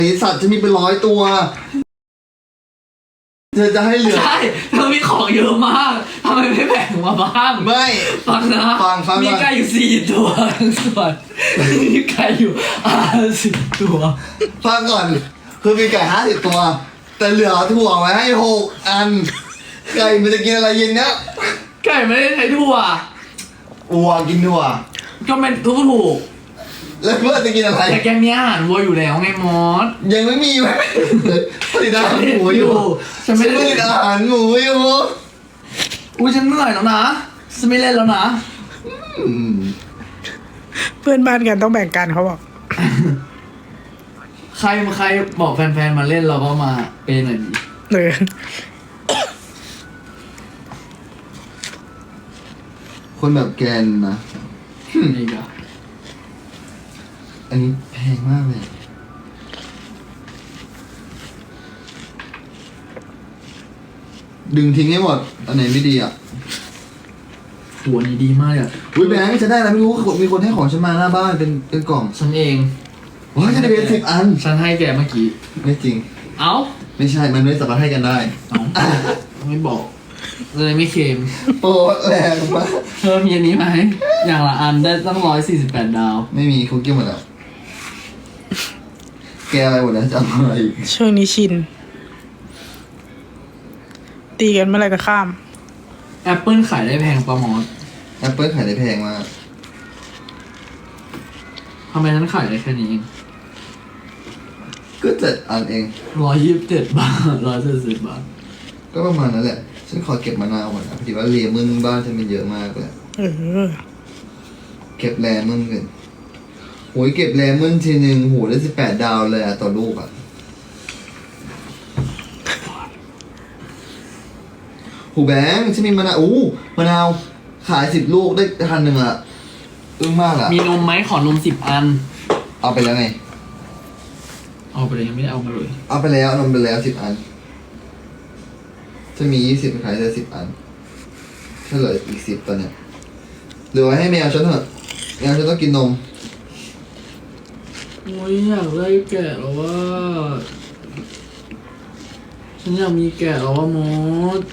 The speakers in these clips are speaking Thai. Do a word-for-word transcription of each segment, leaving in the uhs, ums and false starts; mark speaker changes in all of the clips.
Speaker 1: สัตว์จะมีเป็นร้อยตัวเธอจะให้เหลือ
Speaker 2: ใช่เธอมีของเยอะมากทำไมไม่แบ่งมาบ้าง
Speaker 1: ไม่
Speaker 2: ฟังนะ
Speaker 1: ฟังฟัง
Speaker 2: มีไก่อยู่สี่ตัวส่วนมีไก่อยู่ห้าสิบตัว
Speaker 1: ฟังก่อนคือมีไก่ห้าสิบตัวแต่เหลือถั่วไว้ให้หกอันไก่มันจะกินอะไรเย็นเนี้ย
Speaker 2: ไก่ไม่ได้ใช้ถั่ว
Speaker 1: วัวกินถั่ว
Speaker 2: ก็เป็นทุกถูก
Speaker 1: แล้วเพื่อนจะกินอะไร
Speaker 2: แต่แกมีอาหารวัวอยู่แล้วไงมอส
Speaker 1: ยังไม่มีผลิตอาหารหมูอยู่
Speaker 2: ฉันไม่ได้
Speaker 1: ผลิตอาหารหมูอยู่
Speaker 2: อุ้ยฉันเหนื่อยแล้วนะฉันไม่เล่นแล้วนะ
Speaker 3: เพื่อนบ้านกันต้องแบ่งกันเขาบอก
Speaker 2: ใครมาใครบอกแฟนๆมาเล่นเราก็มาเป็นหน่อยดิ
Speaker 3: เออ
Speaker 1: คนแบบแกนนะ
Speaker 2: นี่ก็
Speaker 1: อันนี้แพงมากเลยดึงทิ้งให้หมดอันไหนไม่ดีอ่ะ
Speaker 2: ตัวนี้ดีมากอ่ะ
Speaker 1: อุ้ยแบงค์จะได้แล้วไม่รู้มีคนให้ของฉันมาหน้าบ้านเป็นเป็นกล่อง
Speaker 2: ฉันเอง
Speaker 1: ว้าฉันได้เป็นสิบอัน
Speaker 2: ฉันให้แกเมื่อกี้
Speaker 1: ไม่จริง
Speaker 2: เอ้า
Speaker 1: ไม่ใช่มันไม่สามารถให้กันได้
Speaker 2: เอ้าไม่บอกเลยไม่เค็ม
Speaker 1: โอ้แรงมาก
Speaker 2: เธอมีอันนี้ไหมอย่างละอันได้ตั้งร้อยสี่สิบแปดดาว
Speaker 1: ไม่มีคุกกี้หมดแล้วแกอะไรหมดแล้วจะเอาอะไร
Speaker 3: ช่วงนี้ชินตีกันเมื่อไรก็ข้าม
Speaker 2: แอปเปิลขายได้แพงประมอส
Speaker 1: แอปเปิลขายได้แพงมาก
Speaker 2: ทำไมฉันขายได้แค่นี้เอง
Speaker 1: ก็เจ็ดอันเอง
Speaker 2: ร้อยยี่สิบเจ็ดบาทร้อยเจ็ดสิบบาท
Speaker 1: ก็ประมาณนั้นแหละฉันขอเก็บมะนาวก่อนนะพอดีว่าเลมอนบ้านฉันมันเยอะมากเลย
Speaker 3: เออ
Speaker 1: เก็บเลมอนกันโหยเก็บเลมอนทีหนึ่งโหได้สิบแปดดาวเลยอะต่อลูกอะหูแบงค์ฉันมีมะนาวอู้มะนาวขายสิบลูกได้พันหนึ่งอะอึ้งมากอะ
Speaker 2: มีนมไหมขอนมสิบอัน
Speaker 1: เอาไปแล้วไง
Speaker 2: เอาไปเลยยังไม่ได้เอามาเลย
Speaker 1: เอาไปแล้วนมไปแล้วสิบอันจะมียี่สิบขายได้สิบอันเฉลยอีกสิบตอนเนี้ยเหลือไว้ให้แมวฉันเถอะแมวฉันต้องกินนม
Speaker 2: โอ้ยอยากได้แกะแล้วว่าฉันอยากมีแกะแล้วว่ามด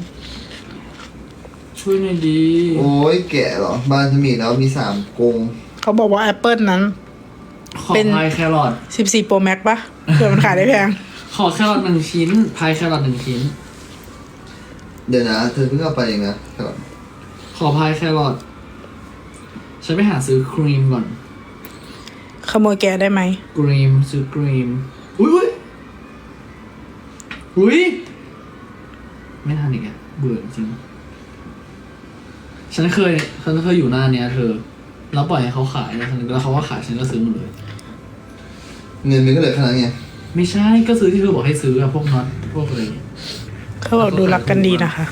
Speaker 2: ช่วยหน่อยดี
Speaker 1: โอ้ยแกะเหรอบ้านฉันมีแล้วมีสามกรง
Speaker 3: เขาบอกว่าแอปเปิลนั้น
Speaker 2: เป็นพายแครอท
Speaker 3: สิบสี่โปรแม็กปะเผื่อมันขายได้แพง
Speaker 2: ขอแครอทหนึ่งชิ้นพายแครอทหนึ่งชิ้น
Speaker 1: เดี๋ยวนะเธอเพิ่งเอาไปเองนะแครอท
Speaker 2: ขอพายแครอทฉันไปหาซื้อครีมก่อน
Speaker 3: ขโมยแกได้ไหม
Speaker 2: ครีมซื้อครีมอุ้ยอุ้ยไม่ทันอีกอ่ะเบื่อจริงฉันเคยฉันเคยอยู่หน้าเนี้ยเธอแล้วปล่อยให้เขาขายนะแล้วเขาก็ขายฉันก็ซื้อหมดเลย
Speaker 1: เงินมันก็เหลือขนาดนี้
Speaker 2: ไม่ใช่ก็ซื้อที่เธอบอกให้ซื้ออะพวกน็อตพวกอะไร
Speaker 3: เขาบอกดูรักกันดีนะคะ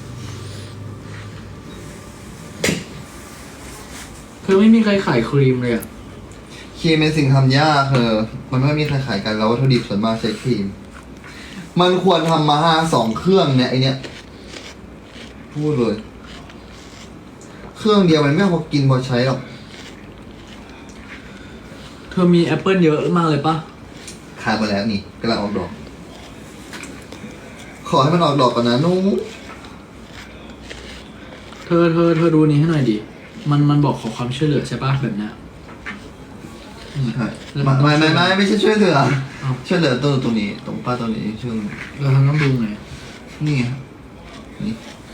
Speaker 2: เธอไม่มีใครขายครีมเลยอะ
Speaker 1: ครีมเป็นสิ่งทำยากเธอมันไม่มีใครขายกันแล้ววัตถุดิบส่วนมากใช้ครีมมันควรทำมาห้าสองเครื่องเนี่ยไอเนี้ยพูดเลยเครื่องเดียวมันไม่พอกินพอใช้หรอก
Speaker 2: เธอมีแอปเปิลเยอะมากเลยปะ
Speaker 1: ขายมาแล้วนี่กำลังออกดอกขอให้มันออกดอกก่อนนะนุ๊ก
Speaker 2: เธอเธอเธอดูนี้ให้หน่อยดิมันมันบอกขอความช่วยเหลือใช่ปะแบบนี้
Speaker 1: ใช่ไม่ไม่ไม่ไม่ใช่ช่วยเหลือช่วยเหลือตัวตรงนี้ตรงป้าตรงนี้ช่วง
Speaker 2: เราทำต้องดูไง
Speaker 1: นี่ไงนี่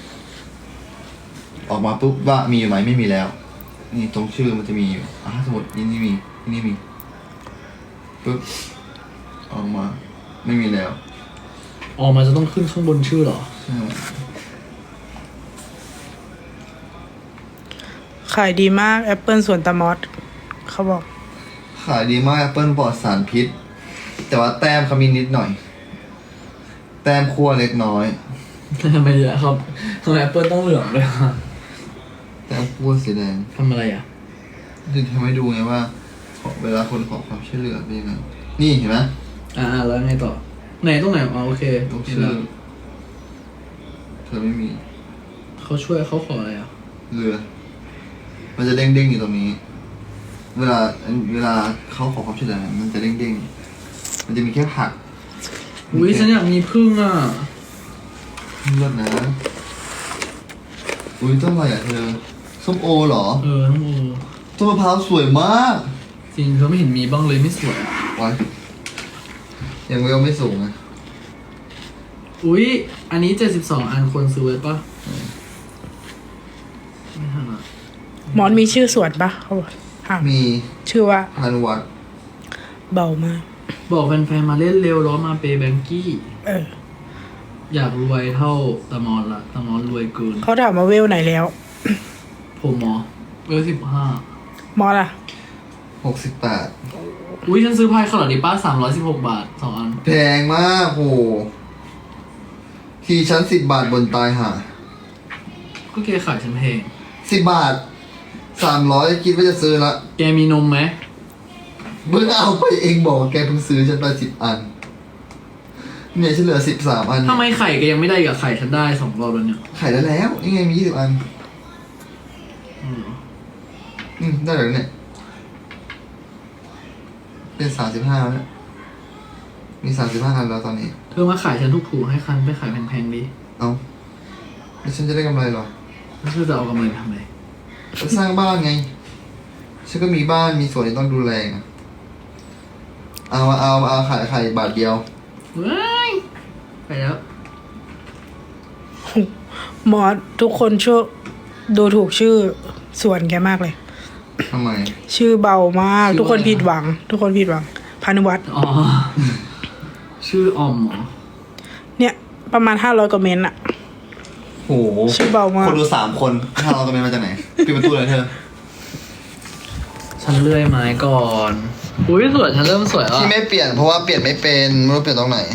Speaker 1: ออกมาปุ๊บว่ามีอยู่ไหมไม่มีแล้วนี่ตรงชื่อมันจะมีอยู่อ่ะสมมตินี่นี่มีนี่มีปุ๊บออกมาไม่มีแล้ว
Speaker 2: ออกมาจะต้องขึ้นข้างบนชื่อเหรอ
Speaker 1: ใช่
Speaker 3: ขายดีมากแอปเปิลสวนตะมอสเขาบอก
Speaker 1: ขายดีมากแอปเปิลปลอดสารพิษแต่ว่าแต้มเขามีนิดหน่อยแต้มคั่วเล็กน้อย
Speaker 2: ทำไมเยอะครับทำไมแอปเปิลต้องเหลืองเลยครับ
Speaker 1: แต้มคั่วสีแดง
Speaker 2: ทำอะไรอ่ะ
Speaker 1: จะทำให้ดูไงว่าเวลาคนขอความช่วยเหลือเป็นยังไงนี่เห็นไหม
Speaker 2: อ่าแล้วไงต่อไหนตรงไหนอ๋อโอเค
Speaker 1: ตรงชื่อเธอไม่มี
Speaker 2: เขาช่วยเขาขออะไรอ่ะ
Speaker 1: เรือมันจะเด้งเด้งอยู่ตรงนี้เวลาเวลาเขาขอความช่วยเหลือมันจะเด้งเด้งมันจะมีแค่ผัก
Speaker 2: อุ้ยฉันอยากมีพึ่งอ่ะ
Speaker 1: เลิศนะอุ้ยต้นอะไรอ่ะเธอส้มโอเหรอ
Speaker 2: เออทั้งโอ
Speaker 1: ต้นมะพร้าวสวยมาก
Speaker 2: จริงเธอไม่เห็นมีบ้างเลยไม่สวยอะ
Speaker 1: ไว้ยังเวลไม่สูงอ่ะ
Speaker 2: อุ้ยอันนี้เจ็ดสิบสองอันควรซื้อไว้ปะไม่ทันอ่ะ
Speaker 3: มอนมีชื่อสวนปะเขาบอกถาม
Speaker 1: มี
Speaker 3: ชื่อว่า
Speaker 1: พานุวัฒน์
Speaker 3: เบามาก
Speaker 2: บอกแฟนๆมาเล่นเร็วล้อมาเปย์แบงกี้
Speaker 3: เออ
Speaker 2: อยากรวยเท่าตะมอนละตะมอนรวยเกิน
Speaker 3: เขาถามมาเวลไหนแล้ว
Speaker 2: ผมหมอเบอร์สิบห้าม
Speaker 3: อสอะ
Speaker 1: หกสิบแปด
Speaker 2: อุ้ยฉันซื้อพายขนาดนี้ป้าสามร้อยสิบหกบาทสองอัน
Speaker 1: แพงมากโหทีชั้นสิบบาทบนตายห่า
Speaker 2: ก็แกขายฉันแพง
Speaker 1: สิบบาทสามร้อยคิดว่าจะซื้อละ
Speaker 2: แกมีนมไหม
Speaker 1: เพิ่งเอาไปเองบอกว่าแกเพิ่งซื้อฉันไปสิบอัน เนี่ยฉันเหลือสิบสามอัน
Speaker 2: ทำไมไข่แกยังไม่ได้กับไข่ฉันได้สองรอบแล้วเนี่ย
Speaker 1: ขายได้แล้วนี่ไงมียี่สิบอัน
Speaker 2: อืม
Speaker 1: อืมได้แล้วเนี่ย เป็นสามสิบห้าแล้วเนี่ยมีสามสิบห้าอันแล้วตอนนี้
Speaker 2: เธอมาขายฉันถูกๆให้คันไปขายแพงๆดิ
Speaker 1: เอาแล้วฉันจะได้กำไรเหรอ
Speaker 2: แล้วเธอจะเอากำไรไปทำไม
Speaker 1: จะสร้างบ้านไง ฉันก็มีบ้านมีสวนที่ต้องดูแลไงเอามาเอามาเอาขายขายบาทเดียว
Speaker 2: เว้ยไปแล้ว
Speaker 3: มอสทุกคนช่วยดูถูกชื่อสวนแกมากเลย
Speaker 1: ทำไม
Speaker 3: ชื่อเบามาก ทุกคนผิดหวัง ทุกคนผิดหวังพานุวัฒน์
Speaker 2: อ๋อ ชื่อออมเหรอ
Speaker 3: เนี่ย ประมาณห้าร้อยกว่าเมนต์อะ
Speaker 1: โห
Speaker 3: ชื่อเบามาก
Speaker 1: คนดูสามคนถ้าเราจะเป็นมาจากไหนปิดประตูเลยเธอ
Speaker 2: ฉันเลื่อยไม้ก่อน อุ้ยสวยฉันเริ่มสวยแล้ว
Speaker 1: ที่ไม่เปลี่ยนเพราะว่าเปลี่ยนไม่เป็นไม่รู้เปลี่ยนตรงไหน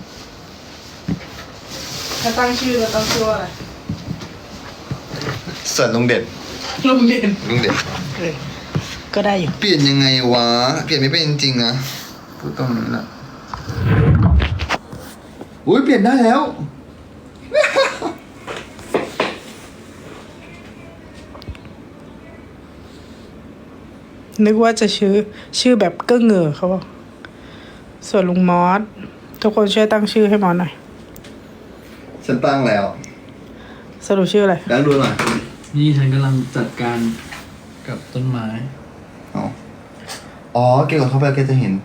Speaker 3: ถ้าตั้งชื่อแล้วตั้งชื่อว่าอะไร
Speaker 1: เสิร์ชลุงเด็ด
Speaker 3: โรงเรียน
Speaker 1: ลุงเด็ด
Speaker 3: เออก็ได้อยู่
Speaker 1: เปลี่ยนยังไงวะ เปลี่ยนไม่เป็นจริงๆนะพูดตรงนี้แหละอุ้ยเปลี่ยนได้แล้ว
Speaker 3: นึกว่าจะชื่อ ชื่อแบบเก้อเงอเขาบอกส่วนลุงมอสทุกคนช่วยตั้งชื่อให้มอสหน่อย
Speaker 1: ฉันตั้งแล้ว
Speaker 3: สรุปชื่ออะไร
Speaker 1: ดังดูหน่อย
Speaker 2: นี่ฉันกำลังจัดการกับต้นไม้
Speaker 1: อ๋ออ๋อเกี่ยวกับเข้าไปแกจะเห็น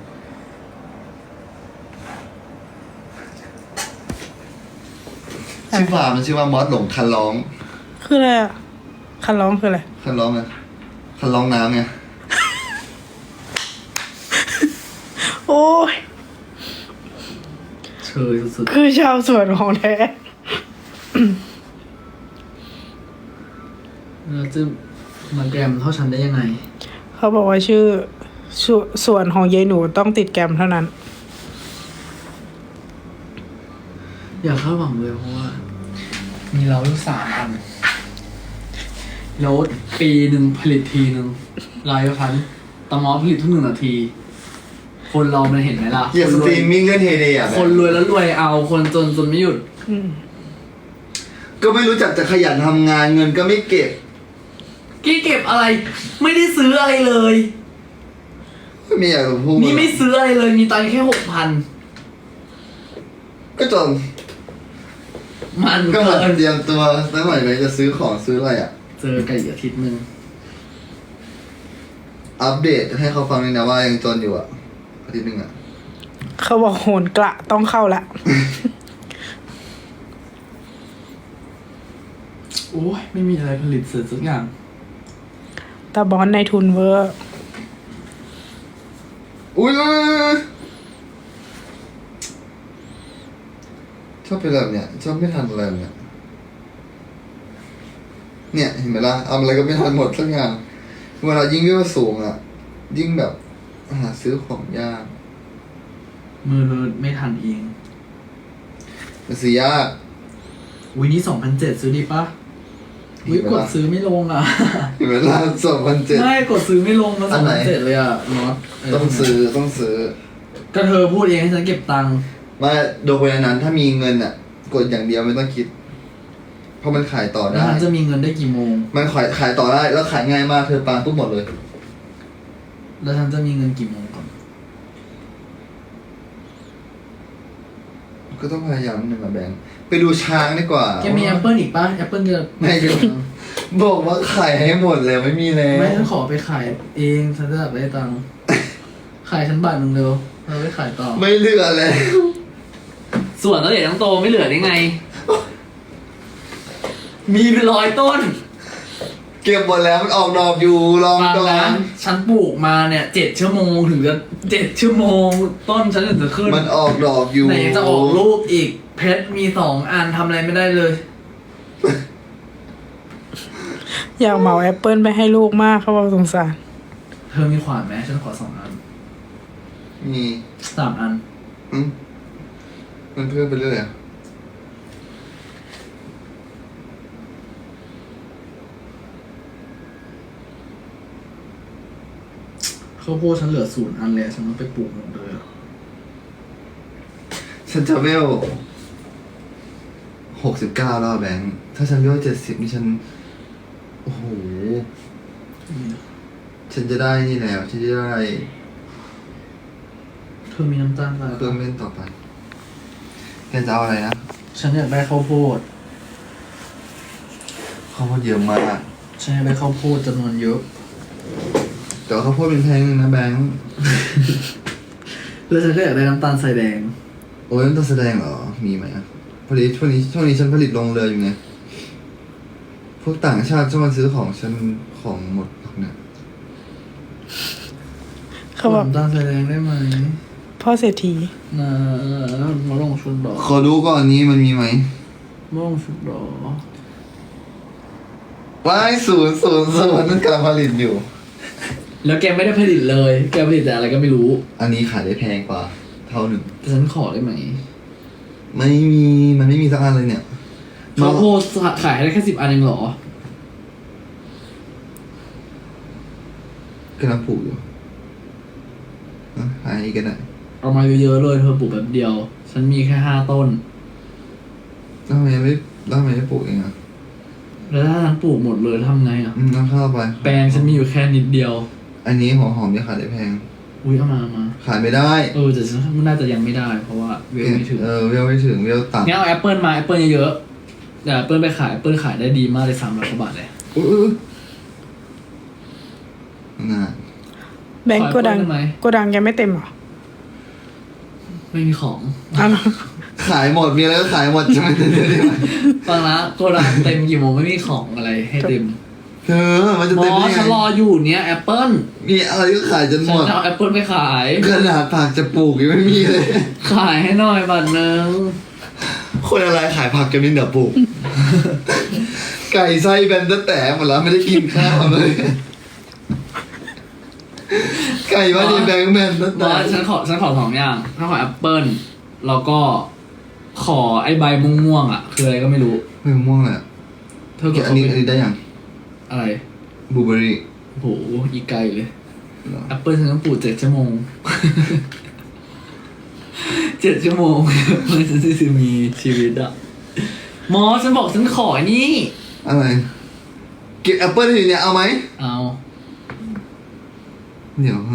Speaker 1: ชื่อฟาร์มมันชื่อว่ามอสหลงคันร้อง
Speaker 3: คืออะไรอ่ะ คันร้องคืออะไร
Speaker 1: คันร้องไงคันร้องน้ำไง
Speaker 3: โอ้ย
Speaker 2: เชยสุด
Speaker 3: คือชาวสวนของแท้
Speaker 2: ๆแล้วจะมาแกรมเท่าฉันได้ยังไง
Speaker 3: เขาบอกว่าชื่อสวส่วนของยายหนูต้องติดแกรมเท่านั้น
Speaker 2: อย่าคาดหวังเลยเพราะว่า มีเราอยู่สามอันแล้วปีหนึ่งผลิตทีหนึ่งรายพันตะมอผลิตทุกหนึ่งนาที คนเรามันเห็นไหมล่ะ
Speaker 1: อย่า
Speaker 2: ค
Speaker 1: ส
Speaker 2: นร
Speaker 1: ต
Speaker 2: ว
Speaker 1: รี
Speaker 2: ย
Speaker 1: มมิ่งเล่นเฮเดย์อ่ะ
Speaker 2: คนรวยแล้วรวยเอาคนจนจนไม่หยุด
Speaker 3: อืม
Speaker 1: ก็ไม่รู้จักจะขยันทำงานเงินก็ไม่เก็บ
Speaker 2: กี้เก็บอะไร ไม่ได้ซื้ออะไรเลย
Speaker 1: ไม่อยากจะพูด
Speaker 2: นี่ไม่ซื้ออะไรเลย มีตังค์แค่หกพัน
Speaker 1: ก็จน
Speaker 2: มัน
Speaker 1: ก็
Speaker 2: เกิ
Speaker 1: หัด
Speaker 2: น
Speaker 1: เตรียมตัวตั้งหน่อยเลยจะซื้อของซื้ออะไรอ่ะ
Speaker 2: เจอกันอีกอาทิตย์หนึ่ง
Speaker 1: อัปเดตให้เขาฟังเลยนะว่ายังจนอยู่อ่ะอาทิตย์หนึ่งอ่ะ
Speaker 3: เขาบอกโหนกระต้องเข้าละ
Speaker 2: โอ้ยไม่มีอะไรผลิตเสร็จสักอย่าง
Speaker 3: ตาบอนในทุนเวอร์
Speaker 1: อุ้ยชอบเป็นแบบเนี้ยชอบไม่ทันอะไรแบบเนี้ยเนี่ยเห็นไหมล่ะเอาอะไรก็ไม่ทันหมดสักอย่างเวลายิ่งวิวสูงอ่ะ ยิ่งแบบหาซื้อของยาก
Speaker 2: มือเธอไม่ทันเอง
Speaker 1: มันซื้อยาก
Speaker 2: อุ้ยนี่สองพันเจ็ดซื้อดีปะอุ้ยกดซื้อไม่ลงอ่ะ
Speaker 1: เห็นไหมล่ะสองพันเจ็ด
Speaker 2: ไม่กดซื้อไม่ลงมา
Speaker 1: อั
Speaker 2: สอน ง
Speaker 1: ไหน
Speaker 2: พันเจ็ดเลยอ่ะน็อตเ
Speaker 1: ต้องซื้อต้องซื้อ
Speaker 2: ก็เธอพูดเองให้ฉันเก็บตังค์
Speaker 1: มาโดยนั้น ถ้ามีเงินอ่ะ กดอย่างเดียวไม่ต้องคิด เพราะมันขายต่อ
Speaker 2: แล้ว
Speaker 1: ได้
Speaker 2: ฉันจะมีเงินได้กี่โมง
Speaker 1: มันขายขายต่อได้แล้วขายง่ายมากเธอปาปุ๊บหมดเลย
Speaker 2: แล้วฉันจะมีเงินกี่โมงก่อน
Speaker 1: ก็ต้องพยายามหนึ่งอะแบงค์ไปดูช้างดีกว่า
Speaker 2: แกมีแอปเปิลอีกป่ะแอปเปิลจะ
Speaker 1: ไม่ดูบอกว่าขายให้หมดแล้วไม่มีแล้ว
Speaker 2: ไม่ฉันขอไปขายเองฉันจะได้ตังค์ขายฉันบาทหนึ่งเร็วเราไปขายต่อ
Speaker 1: ไม่เหลือแล้ว
Speaker 2: ส่วนแล้วเดี๋ยวต้องโตไม่เหลือได้ไง มีเป็นร้อยต้น
Speaker 1: เก็บหมดแล้วมันออกดอกอยู่ลอง
Speaker 2: บาง
Speaker 1: ก่อ
Speaker 2: ร้าน นฉันปลูกมาเนี่ยเจ็ดชั่วโมงถึงจะเจ็ดชั่วโมง ต้นฉันถึงจะขึ้น
Speaker 1: มันออกดอกอยู่
Speaker 2: ไหนจะออกลูกอีก เพชรมีสองอันทำอะไรไม่ได้เลย
Speaker 3: อยากเหมาแอปเปิลไปให้ลูกมากเขาบอกสงสาร
Speaker 2: เธอมีขวานไหมฉันขอสองอัน
Speaker 1: มี
Speaker 2: สามอัน
Speaker 1: อืมมันเพิ่มไปเรื่อยอะ
Speaker 2: ข้าวโพดฉันเหลือศูนย์อันเลยฉันต้องไปปลูกหมดเลยอะ
Speaker 1: ฉันจะเวลหกสิบเก้าแล้วอะแบงค์ถ้าฉันเวลเจ็ดสิบนี่ฉัน โอ้โห ฉันจะได้นี่แล้ว ฉันจะได้
Speaker 2: เธอมีน้ำตาลอะไร
Speaker 1: เครื่องเล่นต่อไปแกจะเอาอะไรนะ
Speaker 2: ฉันอยากได้ข้าวโพด
Speaker 1: ข้าวโพดเยอะมาก
Speaker 2: ฉันอยากได้ข้าวโพดจำนวนเยอะ
Speaker 1: แต่ว่าข้าวโพดเป็นแพงนะแบงค์
Speaker 2: แล้วฉันก็อยากได้น้ำตาลใส่แดง
Speaker 1: โอ้ยมันต้องแสดงเหรอ มีไหมอะผลิตช่วงนี้ช่วงนี้ฉันผลิตลงเรืออยู่ไง พวกต่างชาติชอบมาซื้อของฉันของหมดเนี่ย
Speaker 3: เขาบอก
Speaker 2: น้ำตาลใส่แดงได้ไหม
Speaker 3: พ่อเศรษฐี
Speaker 2: นะมาลงชุดดอก
Speaker 1: ขอดูก่อนนี้มันมีไหม
Speaker 2: มาลงชุดดอก
Speaker 1: ว้ายศูนย์ศูนย์ศูนย์นั่นกำลังผลิตอยู่
Speaker 2: แล้วแกไม่ได้ผลิตเลย แกผลิตแต่อะไรก็ไม่รู้
Speaker 1: อันนี้ขายได้แพงกว่า เท่าหนึ่ง
Speaker 2: แต่ฉันขอได้ไหม
Speaker 1: ไม่มี มันไม่มีสักอันเลยเนี่ย
Speaker 2: ข้าวโพดขายให้ได้แค่สิบอันเองเหรอ
Speaker 1: กำลังปลูกอยู่อ่ะขายอีกกันได้
Speaker 2: เอามาเยอะๆเลยเธอปลูกแบบเดียว ฉันมีแค่ห้าต้น
Speaker 1: แล้วทำไมไม่แล้วทำไมไม่ปลูกเองอ่ะ
Speaker 2: แล้วถ้าฉันปลูกหมดเลยทำไงอ่ะ
Speaker 1: อืมน้ำข้าวไป
Speaker 2: แปลงฉันมีอยู่แค่นิดเดียว
Speaker 1: อันนี้หัวหอมเนี่ยขายได้แพง
Speaker 2: อุ้ยเอามาเอามา
Speaker 1: ขายไม่ได้
Speaker 2: เออแต่ฉันน่าจะยังไม่ได้ เพราะว่าเวลไม่ถึง
Speaker 1: เออเวลไม่ถึงเวลต่ำ
Speaker 2: งั้นเอาแอปเปิลมาแอปเปิลเยอะๆเดี๋ยวแอปเปิลไปขายแอปเปิลขายได้ดีมากเลยสามร้อยกว่าบาทเลย
Speaker 1: อุ้ยอุ้ยน่า
Speaker 3: แบงก์
Speaker 2: ขอ
Speaker 3: โกดัง
Speaker 2: แอปเปิ้ลได้ไหม
Speaker 3: โกดังยังไม่เต็มเหรอ
Speaker 2: ไม่มีของ
Speaker 3: อ้าว
Speaker 1: ขายหมดมีอะไรก็ขายหมดใช่ไหมเดี๋ยวเดี๋ยว
Speaker 2: ฟังนะโกดังเต็มกี่โมงไม่มีของอะไรให้เต็ม
Speaker 1: เธอมันจะ
Speaker 2: หม
Speaker 1: เต็ม
Speaker 2: อ
Speaker 1: ได้ไง
Speaker 2: ฉันรออยู่เนี้ยแอปเปิล
Speaker 1: มีอะไรก็ขายจนห
Speaker 2: ฉั
Speaker 1: ม
Speaker 2: น
Speaker 1: ด
Speaker 2: จะเอาแอปเปิลไปขาย
Speaker 1: ขนาดผักจะปลูกยังไม่มีเลย
Speaker 2: ขายให้หน่อยบาทหนึง
Speaker 1: คนอะไรขายผักกันนี่เดี๋ยวปลูก ไก่ไส้แบนแต่แต่หมดแล้วไม่ได้กินข้าวเลย ไก่ว่าดีแบงค์แบนแต่
Speaker 2: บ
Speaker 1: แต่
Speaker 2: อสฉันขอฉันขอสองอย่างฉันขอแอปเปิลแล้วก็ขอไอ้ใบม่วงๆอ่ะ คืออะไรก็ไม่รู้
Speaker 1: ไม่ม่วงเลยอะ
Speaker 2: เธอ
Speaker 1: เก็
Speaker 2: ก
Speaker 1: บ
Speaker 2: ด
Speaker 1: อันนี้อันนี้ได้ยัง
Speaker 2: อะไร
Speaker 1: บลูเบอร์รี่
Speaker 2: โหอีกไกลเลยแอปเปิลฉันต้องปลูกเจ็ดชั่วโมง เจ็ดชั่วโมง เพื่อฉันจะมีชีวิตอ่ะหมอฉันบอกฉันขอนี่
Speaker 1: อะไรเก็บแอปเปิลอยู่เนี่ยเอาไหม
Speaker 2: เอา
Speaker 1: เดี๋ยว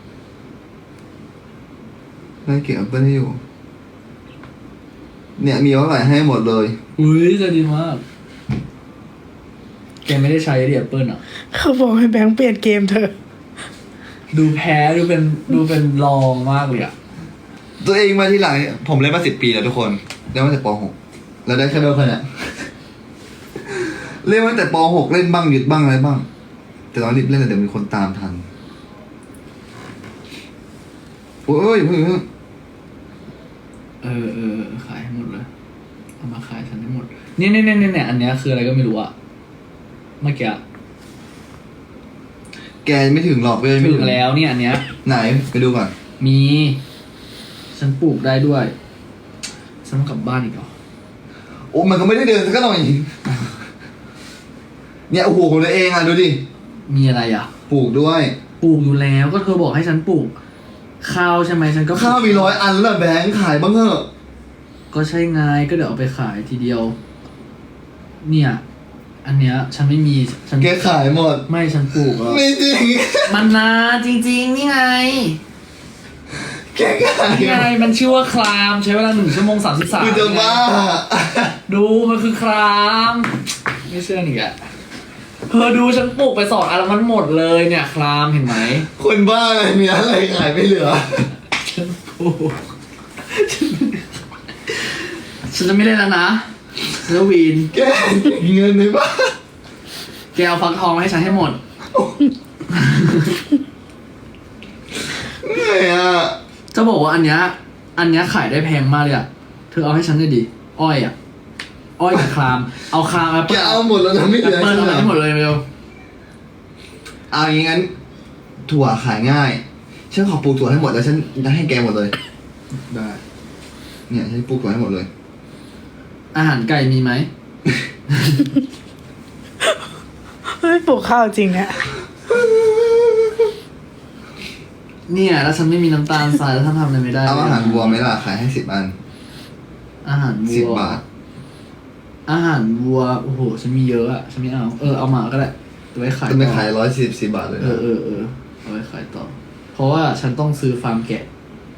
Speaker 1: ได้เก็บแอปเปิลให้อยู่ เนี่ยมีเท่าไหร่ให้หมดเลย
Speaker 2: อุ้ยจะดีมากแกไม่ได้ใช้ดิแอปเปิลอ่ะ
Speaker 3: เขาบอกให้แบงก์เปลี่ยนเกมเธอะ
Speaker 2: ดูแพ้ดูเป็นดูเป็นรองมากเลยอ่ะ
Speaker 1: ตัวเองมาที่หลังเนี่ยผมเล่นมาสิบปีแล้วทุกคนเล่นมาตั้งแต่ป .หก แล้วได้แค่เบลคนเนี่ย เล่นมาตั้งแต่ป .หก เล่นบ้างหยุดบ้างอะไรบ้าง แต่ตอนรีบเล่นแต่เดี๋ยวมีคนตามทันโอ้ยเพิ่งเพิ่ง
Speaker 2: เออเออขายให้หมดเลยเอามาขายฉันให้หมดเนี่ยเนี่ยเนี่ยเนี่ยอันเนี้ยคืออะไรก็ไม่รู้อะเมื่อกี้อะ
Speaker 1: แกไม่ถึงหรอกเว้ยไม่
Speaker 2: ถึงแล้วเนี่ยอันเนี้ย
Speaker 1: ไหนไปดูก่อน
Speaker 2: มี ฉันปลูกได้ด้วยฉันต้องกลับบ้านอีกเหรอ
Speaker 1: โอ้มันก็ไม่ได้เดินสักหน่อย เนี่ยโอ้โหของตัวเองอ่ะดูดิ
Speaker 2: มีอะไรอ่ะ
Speaker 1: ปลูกด้วย
Speaker 2: ปลูกอยู่แล้วก็เธอบอกให้ฉันปลูกข้าวใช่ไหมฉันก็ปลูก
Speaker 1: ข้าวมีร้อยอันแล้วแบงค์ขายบ้างเถอะ
Speaker 2: ก็ใช่ไงก็เดี๋ยวเอาไปขายทีเดียว เนี่ย อันเนี้ย ฉันไม่มีฉัน
Speaker 1: แกขายหมด
Speaker 2: ไม่ฉันปลูกแล้ว
Speaker 1: ไม่จริง
Speaker 2: มันนาจริงๆนี่ไง
Speaker 1: แแก้ไข
Speaker 2: นี่ไงมันชื่อว่าคลามใช้เวลาหนึ่งชั่วโมงสามสิบสาม
Speaker 1: คือจะบ้า
Speaker 2: ดูมันคือคลามไม่เชื่ออีกอะเธอดูฉันปลูกไปสองอันแล้วมันหมดเลยเนี่ยคลามเห็นไหม
Speaker 1: คนบ้าอะไรมีอะไรขายไม่เหลือ
Speaker 2: ฉันปลูกฉันจะไม่เล่นแล้วนะฉันจะวีน
Speaker 1: แกเงินในบ้าน
Speaker 2: แกเอาฟักทองมาให้ฉันให้หมด
Speaker 1: เหนื่อยอ่ะ
Speaker 2: จะบอกว่าอันเนี้ยอันเนี้ยขายได้แพงมากเลยอะเธอเอาให้ฉันได้ดิอ้อยอะอ้อยกับคลามเอาคลามแอป
Speaker 1: แก
Speaker 2: เปิ้ล
Speaker 1: เอาหมดแล้วนะไม่
Speaker 2: แอ
Speaker 1: เหลื
Speaker 2: ป
Speaker 1: อ
Speaker 2: เปิ้ลเอาไปให้หมดเลยเร็ว
Speaker 1: เอาอย่างงั้นถั่วขายง่ายฉันขอปลูกถั่วให้หมดแล้วฉันจะให้แกหมดเลย
Speaker 2: ได้
Speaker 1: เนี่ยฉันปลูกถั่วให้หมดเลย
Speaker 2: อาหารไก่มีไหม
Speaker 3: ไม่ปลูกข้าวจริงเนี่ย
Speaker 2: เนี่ยแล้วฉันไม่มีน้ำตาลทรายแล้วท่านทำอะไรไม่ได้
Speaker 1: เอาอาหารวัวไหมล่ะขายให้สิบอัน
Speaker 2: อาหารวัว
Speaker 1: สิบบาท
Speaker 2: อาหารวัวโอ้โหฉันมีเยอะอะฉันไม่เอาเออเอามาก็ได้ตัวไว้ขาย
Speaker 1: จะไม่
Speaker 2: ต่อ
Speaker 1: ขายร้อยสี่สิบสี่บาทเลย
Speaker 2: เอ
Speaker 1: นะ
Speaker 2: อเออเออเอาไว้ขายต่อ เพราะว่าฉันต้องซื้อฟาร์มแกะ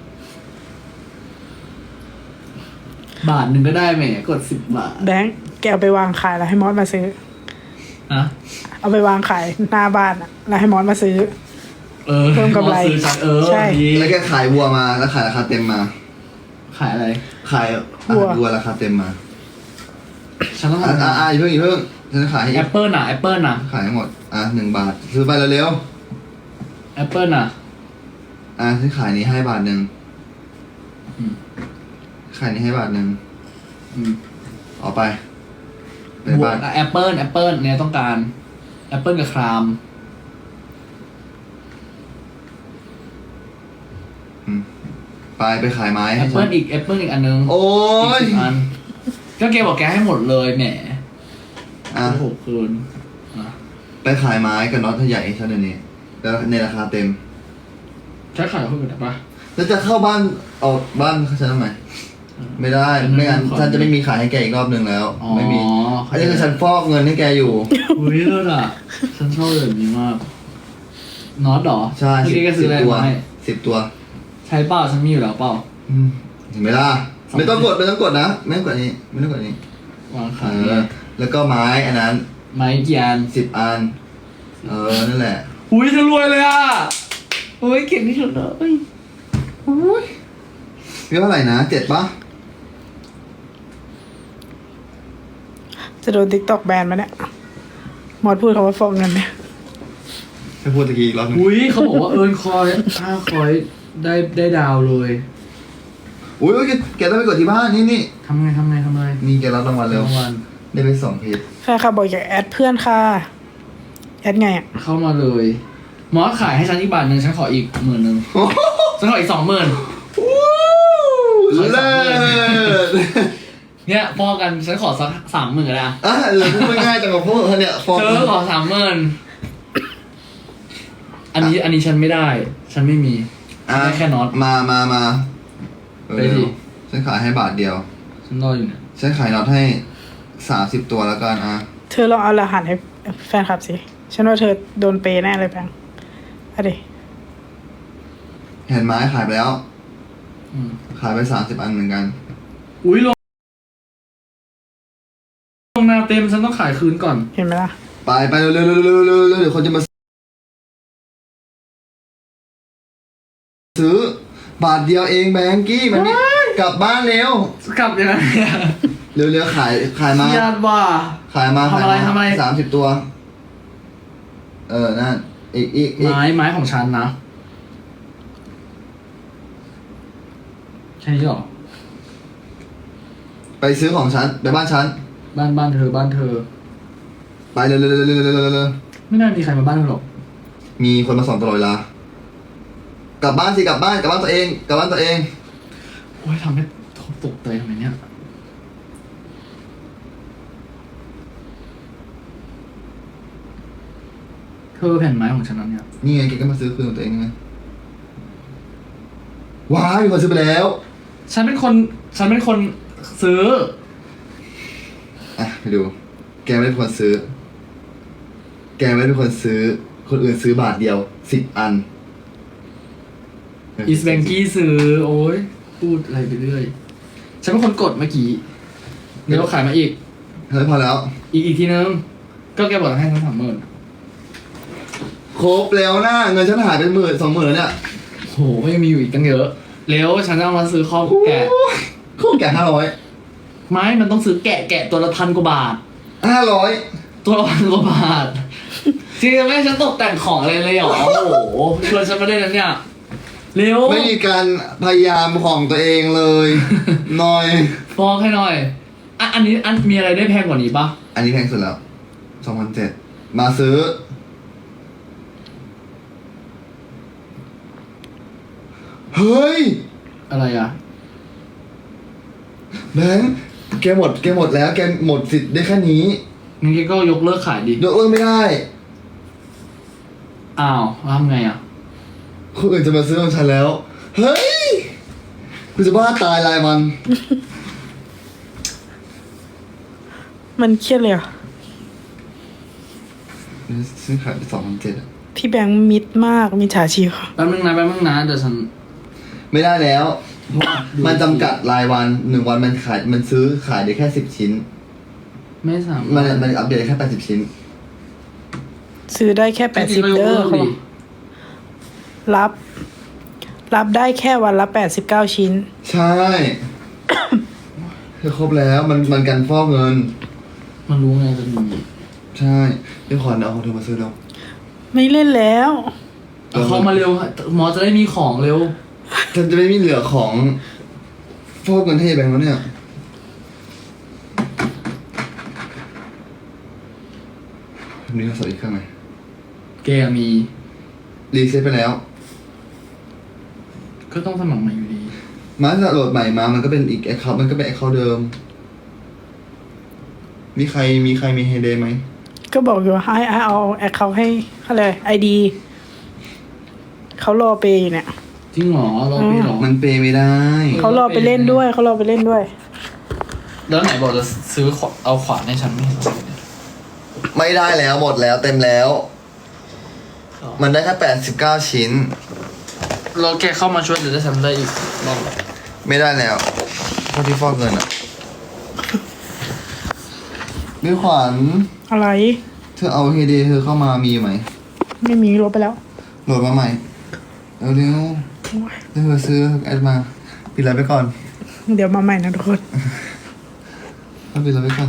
Speaker 2: บาทหนึ่งก็ได้แหมกดสิบบาท
Speaker 3: แบงค์แกเอาไปวางขายแล้วให้มอสมาซื้อ
Speaker 2: นะ
Speaker 3: เอาไปวางขายหน้าบ้านอะแล้วให้มอสมาซื้อ
Speaker 2: เออ
Speaker 3: เพิ่มกำไร
Speaker 2: ซื้อฉันเออ
Speaker 3: ใช่
Speaker 2: ดี
Speaker 1: แล้วแกขายวัวมาแล้วขายราคาเต็มมา
Speaker 2: ขายอะไร
Speaker 1: ขายอาหารวัวราคาเต็มมา
Speaker 2: ฉันต้อง
Speaker 1: อ่ะ
Speaker 2: ทำ
Speaker 1: อ่ะอ่ะอย่าเพิ่งอย่าเพิ่งฉันจะขายให้
Speaker 2: แอปเปิลน่ะแอปเปิลน่ะ
Speaker 1: ขายให้หมดอ่ะหนึ่งบาทซื้อไปเร็ว
Speaker 2: แอปเปิลน่ะ
Speaker 1: ๆอ่ะฉันขายนี้ให้บาทหนึ่ง
Speaker 2: อืม
Speaker 1: ขายนี้ให้บาทหนึ่ง
Speaker 2: อืม
Speaker 1: เอาไปไป
Speaker 2: บว
Speaker 1: บ้าก น
Speaker 2: แอปเปิลแอปเปิลเนี่ยต้องการแอปเปิลกับคราม
Speaker 1: อืมไปไปขายไม้
Speaker 2: แอ
Speaker 1: ให้
Speaker 2: ป
Speaker 1: ฉั
Speaker 2: เปิล
Speaker 1: น
Speaker 2: อีกแอปเปิลอีกอันนึง
Speaker 1: โอ้ย
Speaker 2: อีกสิบอันก็แกบอกแกให้หมดเลยแหม
Speaker 1: อ่ะ
Speaker 2: โอ้โหคืนอ่ะ
Speaker 1: ไปขายไม้กับน็อตใหญ่ให้ฉันเดี๋ยวนี้แล้วในราคาเต็ม
Speaker 2: ใช้ขายเพิ่มได้ปะ
Speaker 1: แล้วจะเข้าบ้านออกบ้านฉันทำไมไม่ได้ไม่งั้นฉันจะไม่มีขายให้แกอีกรอบหนึ่งแล้ว
Speaker 2: อ๋อ
Speaker 1: ไม่มีอันนี้คือฉันฟอกเงินให้แกอยู่
Speaker 2: อุ้ยเลิศอ่ะ ฉันชอบแบบนี้มากน็อตเหรอ
Speaker 1: ใช่
Speaker 2: เมื่อ
Speaker 1: สิบ
Speaker 2: กี้แกซื้ออะไร
Speaker 1: ตัว
Speaker 2: มาให้
Speaker 1: สิบตัว
Speaker 2: ใช้เปล่าฉันมีอยู่แล้วเปล่า
Speaker 1: อืมเห็นไหมล่ะ
Speaker 2: สอง
Speaker 1: ไม่ต้องกดไม่ต้องกดนะไม่ต้องกดนี้ไม่ต้องกดนี้
Speaker 2: วาง
Speaker 1: เอ
Speaker 2: ขาย
Speaker 1: อแล้วก็ไม้อันนั้น
Speaker 2: ไม้กี่อัน
Speaker 1: สิบอันเออนั่นแหละ
Speaker 2: อุ้ยฉันรวยเลยอ่ะโอ้ยเก่งที่สุดเลย
Speaker 1: อุ้ยเรียกว่าอะไรนะเจ็ดปะ
Speaker 3: จะโดนติ๊กตอกแบนมาเนี่ยมอสพูดคำว่าฟอกเงินเนี่ย
Speaker 1: ให้พูดตะกี้อีกรอบหนึง
Speaker 2: อุ้ยเขาบอกว่าเอิร์นคอยห้าคอยได้ได้ดาวเลย
Speaker 1: อุ้ยแกแกต้องไปกดที่บ้านนี่นี่
Speaker 2: ทำไงทำไงทำไง
Speaker 1: นี่แกรับรางวัลเร็ว
Speaker 2: รางวัล
Speaker 1: ได้ไปสองเพจ
Speaker 3: ใช่ค่ะบอกอยากแอดเพื่อนค่ะ แอดไงอ่ะ
Speaker 2: เข้ามาเลยมอสขายให้ฉันอีกบาทหนึ่งฉันขออีกหมื่นหนึ่งฉันขออีกสองหมื่น
Speaker 1: เลิศ
Speaker 2: เนี่ยพอกันฉันขอสักสามหมื่นก็ได้
Speaker 1: อ่ะเหลือพูดไม่ง่ายจังกับพวกเธอเนี่ยฟอก
Speaker 2: เธอขอสามหมื่นอันนี้อันนี้ฉันไม่ได้ ฉันไม่มีฉันได้แค่น็อต
Speaker 1: มามามา
Speaker 2: ไปดิ
Speaker 1: เร็วฉันขายให้บาทเดียว
Speaker 2: ฉันรออยู่เนี่ย
Speaker 1: ฉันขายน็อตให้สามสิบตัวแล้วกันอ่ะ
Speaker 3: เธอลองเอารหัสให้แฟนคลับสิ ฉันว่าเธอโดนเปย์แน่เลยแบงค์เอาดิ
Speaker 1: เห็นไม้ขายไปแล้ว
Speaker 2: อืม
Speaker 1: ขายไปสามสิบอันเหมือนกัน
Speaker 2: อุ้ยลงลงนาเต็มฉันต้องขายคืนก่อน
Speaker 3: เห็นไหมล่ะ
Speaker 1: ไปไปเร็วเร็วเร็วเร็วเร็วเร็วเดี๋ยวคนจะมาซื้อบาทเดียวเองแบงกี้มันนี่กลับบ้านเร็ว
Speaker 2: กลับยังไงอะ
Speaker 1: เร็วเร็วขายขายมา
Speaker 2: ญาติว่า
Speaker 1: ขายมา
Speaker 2: ทำอะไร
Speaker 1: ขายมา
Speaker 2: ทำอะไร
Speaker 1: สามสิบตัว เออนั่นอีกอีกอีก
Speaker 2: ไม้ไม้ของฉันนะแค่นี้เหรอ
Speaker 1: ไปซื้อของฉันไปบ้านฉัน
Speaker 2: บ้านบ้านเธอบ้านเธอ
Speaker 1: ไปเร็วเร็วเร็วเร็วเร็วเร็วเร็ว
Speaker 2: ไม่น่ามีใครมาบ้านเธอหรอก
Speaker 1: มีคนมาส่องตลอดเวลากลับบ้านสิกลับบ้านกลับบ้านตัวเองกลับบ้านตัวเอง
Speaker 2: โอ้ยทำให้ตกใจทำไมเนี่ยเธอแผ่นไม้ของฉันนั้นเนี่ย
Speaker 1: นี่ไงแกก็มาซื้อคืนของตัวเองไงว้ายมีคนซื้อไปแล้ว
Speaker 2: ฉันเป็นคนฉันเป็นคนซื้อ
Speaker 1: อ่ะไปดู แกไม่ได้เป็นคนซื้อ แกไม่ได้เป็นคนซื้อ คนอื่นซื้อบาทเดียวสิบอัน เ
Speaker 2: อีสแบงกี้ซื้อ โอ้ยพูดอะไรไปเรื่อย ฉันเป็นคนกดเมื่อกี้เดี๋ยวขายมาอีก
Speaker 1: เฮ้ยพอแล้ว
Speaker 2: อีกอีกทีนึง ก็แกบอกให้ทั้งสามหมื่น
Speaker 1: ครบแล้วนะเงินฉันหายเป็นหมื่นสองหมื่นแล้วเนี่ย
Speaker 2: โหก็ยังมีอยู่อีกตั้งเยอะเร็วฉันจะเอามาซื้อข้าวแกะ
Speaker 1: โคตรแก่ห้าร้อย
Speaker 2: ไม้มันต้องซื้อแกะแกะตัวละพันกว่าบาท
Speaker 1: ห้าร้อย
Speaker 2: ตัวละพันกว่าบาทจริงๆไม่ให้ฉันตกแต่งของอะไรเลยเหรอ โอ้โหชวนฉันมาได้แล้วเนี่ย เร็ว
Speaker 1: ไม่มีการพยายามของตัวเองเลยหน่อย
Speaker 2: ฟอกให้หน่อยอ่ะอันนี้อันมีอะไรได้แพงกว่านี้ปะ
Speaker 1: อันนี้แพงสุดแล้วสองพันเจ็ดมาซื้อ เฮ้ย
Speaker 2: อะไรอ่ะ
Speaker 1: แบงค์แกหมดแกหมดแล้ว แกหมดสิทธิ์ได้แค่นี้
Speaker 2: งั้นแกก็ยกเลิกขายดิ
Speaker 1: ยกเลิกไม่ได้
Speaker 2: อ้าวแล้วทำไงอ่ะ
Speaker 1: คนอื่นจะมาซื้อของฉันแล้ว เฮ้ยกูจะบ้าตายลายมัน
Speaker 3: มันเครียดเลยอ่ะ
Speaker 1: ซื้อขายไปสองพันเจ็ดอะ
Speaker 3: พี่แบงค์มิดมากมีฉาชีพ
Speaker 2: แป๊บนึงนะแป๊บนึงนะเดี๋ยวฉัน
Speaker 1: ไม่ได้แล้ว มันจำกัดรายวันหนึ่งวันมันขายมันซื้อขายได้แค่สิบชิ้น
Speaker 2: ไม่สาม
Speaker 1: มันมันอัปเดตได้แค่แปดสิบชิ้น
Speaker 3: ซื้อได้แค่แปดสิบ
Speaker 2: จริงๆก็ยก
Speaker 3: เด้อ
Speaker 2: ลิก
Speaker 3: เขา
Speaker 2: ดิ
Speaker 3: บอกรับ รับได้แค่วันละแปดสิบเก้าชิ้น
Speaker 1: ใช่ คือครบแล้วมันมันกันฟอกเงิน
Speaker 2: มันรู้ไงจะมี
Speaker 1: ใช่เดี๋ยวขอเอาของเธอมาซื้อแล้ว
Speaker 3: ไม่เล่นแล้ว
Speaker 2: เอาเข้ามาเร็วหมอจะได้มีของเร็ว
Speaker 1: ฉันจะไม่มีเหลือของฟอกเงินให้แบงค์แล้วเนี่ยมีโทรศัพท์อีกเครื่องไหม
Speaker 2: แกมี
Speaker 1: รีเซ็ตไปแล้ว
Speaker 2: ก็ต้องสมัครใหม่อยู่ดี
Speaker 1: มาถ้าโหลดใหม่มามันก็เป็นอีกแอคเคาท์มันก็เป็นแอคเคาท์เดิม มีใครมีใครมีเฮเดไหม
Speaker 3: ก็บอกอยู่ว่าให้เอาแอคเขาให้อะไรไอดีเขารอเปย์อยู่เนี่ย
Speaker 2: จริงเหรอรอพี่เหรอ
Speaker 1: มันเปย์ไม่ได้
Speaker 3: เขารอไปเล่นด้วยเขารอไปเล่นด้วย
Speaker 2: แล้วไหนบอกจะซื้อขวาเอาขวานให้ฉันไม่เห็นเอาเลย
Speaker 1: ไม่ได้แล้วหมดแล้วเต็มแล้ว มันได้แค่แปดสิบเก้าชิ้น
Speaker 2: เราแกเข้ามาช่วยเดี๋ยวจะทำได้อีกรอบ
Speaker 1: ไม่ได้แล้วเพราะที่ฟอกเงินอ่ะพี่ขวัญ
Speaker 3: อะไร
Speaker 1: เธอเอาเฮเดเธอเข้ามามีไหม
Speaker 3: ไม่มีลบไปแล้ว
Speaker 1: โหลดมาใหม่เร็วเร็ว
Speaker 3: โอ้ย
Speaker 1: ๆเธอซื้อแอดมาปิดไลน์ไปก่อน
Speaker 3: เดี๋ยวมาใหม่นะทุกคน
Speaker 1: เอาปิดไลน์ไปก่อน